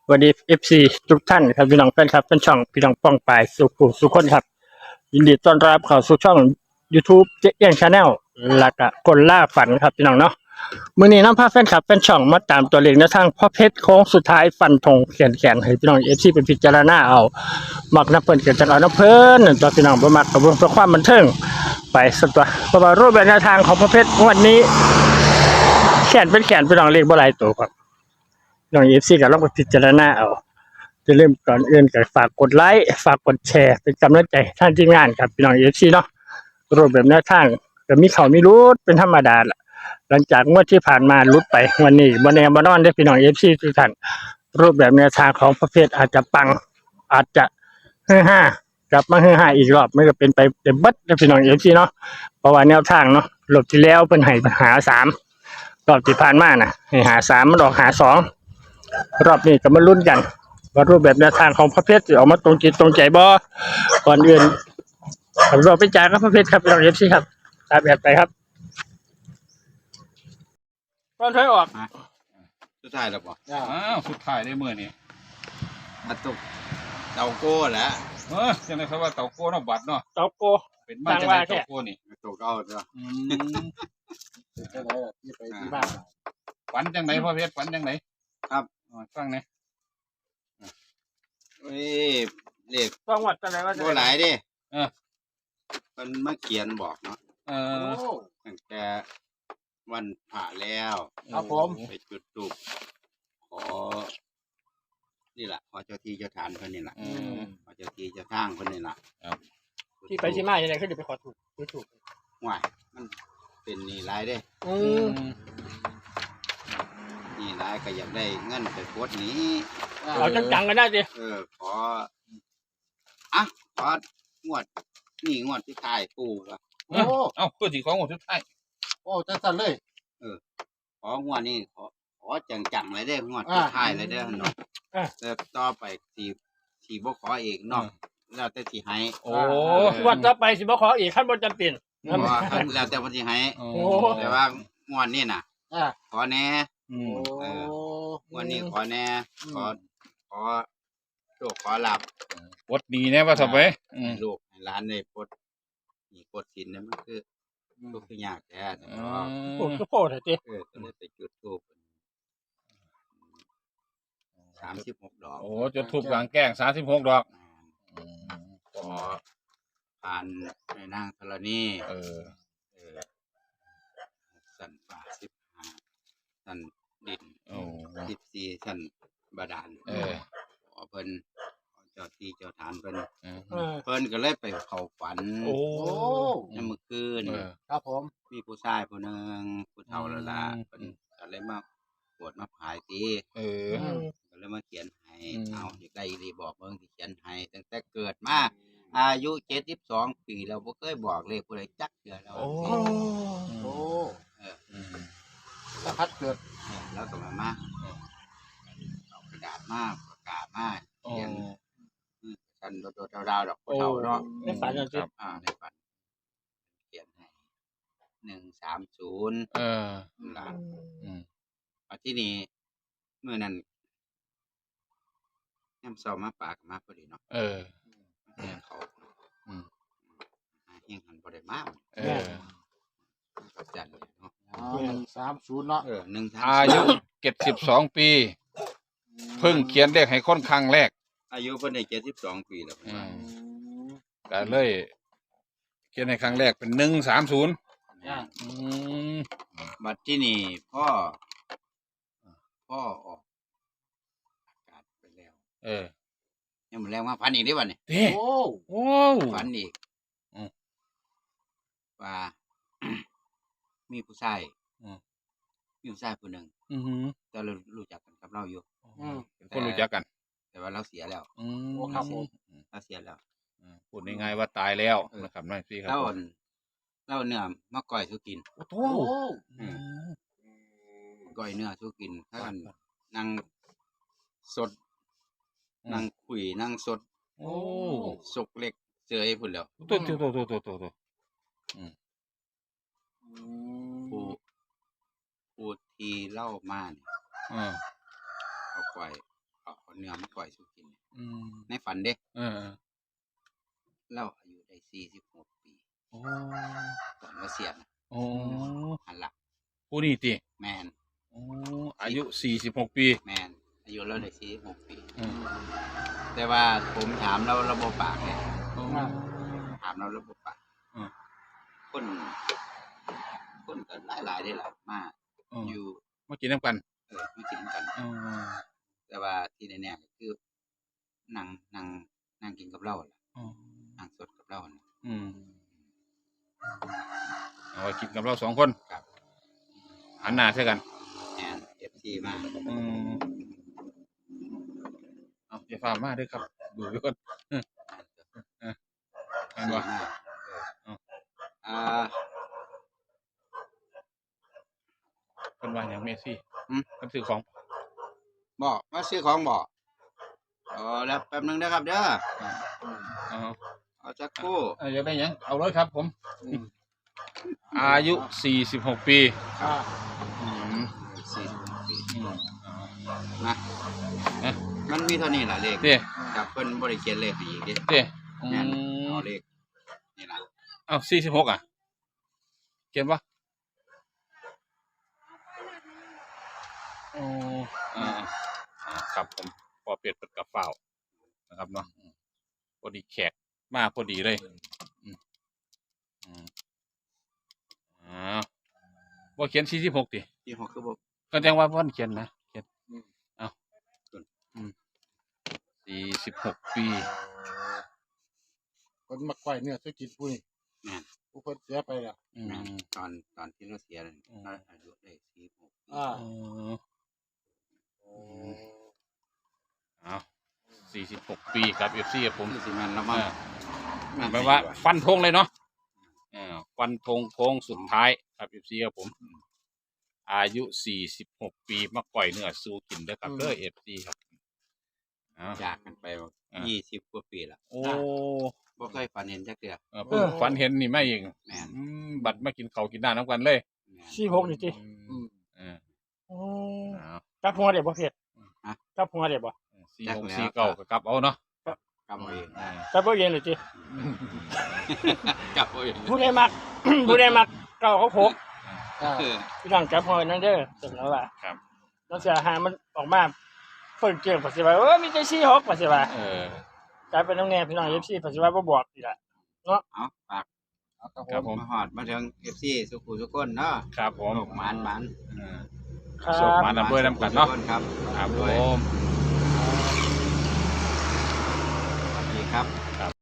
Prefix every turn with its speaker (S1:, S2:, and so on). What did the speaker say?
S1: สวัสดีFC ทุกท่านครับพี่น้องแฟนครับเป็นช่องพี่น้องป้องปายสุขุสุขคนครับยินดีต้อนรับเข้าสู่ช่อง YouTube เจ๊เอี้ยงชาแนลและก็คนล่าฝันครับพี่น้องเนาะมื้อนี้นำพาแฟนคลับแฟนช่องมาตามตัวเลขแนวทางพ่อเพชรโค้งสุดท้ายฟันธงแขนให้พี่น้อง FC ไปพิจารณาเอามักน้ำเพิ่นก็จังเอาน้ำเพิ่นตัวพี่น้องบ่มักก็เบิ่งเพื่อความบันเทิงไปสักตัวเพราะว่ารูปแบบแนวทางของพ่อเพชรงวดนี้แขนเป็นแขนพี่น้องเลขบ่หลายตัวครับน้อง FC ก็ลองไปพิจารณาเอาจะเริ่มก่อนอื่นก็ฝากกดไลค์ฝากกดแชร์เป็นกำลังใจท่านทีมงานครับพี่น้อง FC เนาะรูปแบบแนวทางก็มีเขามีรุดเป็นธรรมดาล่ะหลังจากงวดที่ผ่านมารุดไปวันนี้บ่แน่บ่นอนได้อพี่น้อง FC ทุกท่านรูปแบบแนวทางของประเภทอาจจะปังอาจจะเฮือฮ่ากลับมาเฮือฮ่าอีกรอบมันก็เป็นไปเต็มเบิดเด้อพี่น้อง FC เนาะเพราะว่าแนวทางเนาะรอบที่แล้วเพิ่นให้หา3รอบที่ผ่านมาน่ะให้หา3มันออกหา2รอบนี้ก็มาลุ้นกันว่ารูปแบบแนวทางของพระเพชรจะออกมาตรงจิตตรงใจบ่ก่อนอื่นเราไปจ่ายกับพระเพชรครับเราเอฟซีครับตามแบบไปครับตอนถอยออก
S2: สุดท้ายแล้วป่ะ
S3: อ้าวสุดท้ายได้มื้อนี้
S2: มาตกเตาโก้แหล้ว
S3: จังได๋ครับว่าเต่าโก้เนาะบัดเนาะ
S1: เตาโก
S3: เป็นมาจังได๋เต่าโก้นี่
S2: ตกเอาเนาะ
S3: จังได๋ที่ไปที่บ้านฝันจังได๋พ่อเพชรฝันจังได๋
S2: ครับ
S3: ฟังแหน่
S2: เอ้ยเลข
S1: ต้องวัดจังได๋ว่า
S2: บ่หลายเด้เพิ่นมาเขียนบอกเนาะตั้งแต่วันผ่าแล้ว
S1: ครับผม
S2: ไปจุดธูปขอนี่ล่ะขอเจ้าที่เจ้าทานเพิ่นนี่ล่ะขอเจ้าที่เจ้าทางเพิ่นนี่ล่ะ
S3: ครับ
S1: ที่ไปที่มาจังได๋คือสิไปขอถูก
S2: ว้ายมันเป็นนี่หลายเด้นี่หลายก็อยากได้เงินไปกดนี้
S1: เอาจังๆกันได้สิ
S2: ของวดนี่งวดที่ท้ายปู่ว่ะ
S3: เอ้าคือสิของงวดสุดท้าย
S4: จังซั่นเลย
S2: ของวดนี้ขอจังๆเลยเด้องวดที่ท้ายเลยเด้อเนาะแต่ต่อไปสิบ่ขอเองเนาะแล้วแต่สิให้
S1: วันต่อไปสิบ่ขออีกคันบ่จำเป็น
S2: แล้วแต่เพิ่นสิให้แต่ว่างวดนี้น่ะขอแน่งวดนี้ขอแน่ขอโชคขอลาภ
S3: ปลดหนี้แน่ว่าซะไป
S2: ลูกให้หลานได้ปลดหนี้ปลดสินนั่นมันคือทุกข์ยากแท้
S1: โอ้โหเถอะติ
S2: ก็เลยไปจุดธูป36 ดอก
S3: จุดธูปกลางแจ้ง36 ดอก
S2: ขอผ่านแม่นางธรณีสันป่า15สันดิน14สันบาดาลขอเพิ่นเจ้าที่เจ้าทานเพิ่นก็เลยไปเข้าฝันในเมื่อคืน
S4: ครับผม
S2: มีผู้ชายผู้นึงผู้เฒ่าแล้วล่ะเพิ่นก็เลยมาปวดมาพายติก็เลยมาเขียนให้เอาอยากได้อีหลีบอกเบิ่งสิเขียนให้ตั้งแต่เกิดมาอายุ72 ปีแล้วบ่เคยบอกเลขผู้ใดจักเทื่อแล้ว
S4: สะพัดเกิด
S2: แล้วก็มาเอากระดาษมาประกาศมาเขียนกันโดดๆดาวๆดอกผู้เฒ่าเนาะ
S1: ในฝันจังซี่
S2: ในฝันเขียนให้130ล่ะที่นี่มื้อนั้นยามเช้ามาปากมาพอดีเนาะเขาเฮียงหันบ่ได้มาจันเนาะ
S4: 130เนาะ
S3: อายุ72 ปีเพิ่งเขียนเลขให้คนครั้งแรก
S2: อายุเพิ่นได้72 ปีแล้ว
S3: ก็เลยเขียนให้ครั้งแรกเป็น130
S2: บัดที่นี่พ่อออกอากาศไปแล้วยังบ่แรงมาฝันอีกเด้บัดนี้ฝันอีกว่ามีผู้ชายผู้นึงแต่เรารู้จักกันกับเราอยู่
S3: คนรู้จักกัน
S2: แต่ว่าเราเสียแล้ว
S4: ครับผม
S2: เราเสียแล้ว
S3: พูดง่ายๆว่าตายแล้วนะครับนั่นสิครับ
S2: เราเนื้อมาก้อยสู้กินก้อยเนื้อสู้กินถ้ากันนั่งสดนั่งคุยนั่งสดสกเล็กเจยพุ่นแล้วผู้ที่เล่ามาเนี่ยเอาก้อยเอาเอาเนื้อมาปล่อยสุกิน
S3: อืม
S2: ในฝันเด้
S3: เออ
S2: เราอายุได้46 ปี
S3: โอ้
S2: ก่อนเกษียณ
S3: โอ้
S2: หันหลัก
S3: ผู้นี่ติ
S2: แมน
S3: โอ้อายุ46 ปี
S2: แมนอายุเราได้46 ปี
S3: อืม
S2: แต่ว่าผมถามเราระบบปากเนี่ย
S3: โอ้
S2: ถามเราระบบปาก
S3: อืม
S2: คนก็หลายได้หละมา
S3: อืม
S2: อยู่
S3: มากินน้ำกัน
S2: ไม่กินกัน
S3: อืม
S2: แต่ว่าที่แน่ๆก็คือนั่งกินกับเราล่ะ
S3: อืม
S2: นั่งสดกับเราน่ะ
S3: อืมเอาไว้กินกับเรา2 คน
S2: ครับ
S3: หันหน้าใส่กัน
S2: แอนFC มา
S3: อืมเอาอย่าฝ่ามาเด้วยครับ ดูไว้ก่อนเห็นบ่
S2: มา
S3: เอา
S2: อ่า
S3: เพิ่นว่าหยังเมสซี่
S2: อืม
S3: เพิ่นซื้อของ
S2: บอกมาซื้อของบอกอ๋อแล้วแป๊บนึงนะครับเด้อ
S3: เอา
S2: เอาจักครู่
S3: อยากได้หยังเอาเลยครับผม อายุ 46 ปี
S4: อ่า
S3: อืม
S2: 46 ปี
S3: อืม
S2: นะ
S3: เอ๊ะ
S2: มันมีเท่านี้ล่ะเลข
S3: เด้
S2: ครับเพิ่นบ่ได้เขียนเลขให้อีกเด้
S3: เด้อื
S2: แม่น
S3: ม
S2: เอาเลขนี่ล่ะ
S3: เอา46อ่ะเขียนบ่อ๋อครับผมพอเป็ดเปิดกับเฝ้านะครับเนาะพอดีแขกมาพอดีเลยอืมอืมบ่เขียน46ติ
S2: ที่6คือบ่
S3: ก็แจ้งว่าวันเขียนนะเขียนเอา
S2: ต้น
S3: 46 ปี
S4: คนมาไกวเนี่ยจะกินผู้นี่
S2: แม่น
S4: ผู้คนเสียไปแล้ว
S3: อืม
S2: แม่นตอนที่เราเสียนั่นเราอายุได้46 ปี
S4: อ่า
S3: อ๋อเอา46 ปีครับ FC ครับผม
S2: คือสิแม่นแล้วมั้ง
S3: หมายว่าฟันธงเลยเนาะฟันธงโค้งสุดท้ายครับ FC ครับผม อายุ 46 ปีมาก่อยเนื้อสู้กินเด้อครับเด้อ FC ครับเอา
S2: จากกันไป20 กว่าปีแล้ว
S3: โอ้
S2: บ่เคยฝันเห็นจักเทื่อ
S3: เพิ่งฝันเห็นนี่ไม่เอง
S2: แม่น
S3: บัดมากินข้าวกินน้ำน้ำกันเลย
S2: แม่น
S1: 46นี่ติ
S3: เออ
S1: โอ้
S3: เอา
S1: กลับหัวได้บ่เพชร
S2: ฮะ
S1: กลับหัวได้บ่
S3: 46 49ก็กลับเอาเนาะ
S2: กำเอาเอง
S1: กลับบ่เย็นเลยติ
S2: กำเอาเอง
S1: ผู้ใดมัก ผู้ใดมักเก่าเขาพก
S4: อ่า
S2: เออ
S1: พี่น้องกลับหัวนั่นเด้อเสร็จแล้วว่า
S3: ครับ
S1: แล้วเสียหามันออกมาเพิ่นเกี่ยงปัสสิว่ามีแต่46ปัสสิว่า
S3: เออ
S1: กลายเป็นน้องแน่พี่น้อง FC ปัสสิว่าบ่บอกอีกล่ะ
S2: เอาฝาก
S4: เอาครับ
S3: ครับ
S4: ผ
S3: ผม ม
S2: มาฮอดมาถึง FC สุขุทุกคนเนาะ
S3: ครับผม
S2: โชคหมาน
S3: เออ
S1: ครั
S3: โชค
S1: บ
S3: หมาน ด้วยำกันเนาะ
S2: ทุกคครับ
S3: ครับผ
S2: ด้วย
S3: ม
S2: สวัสดีครับ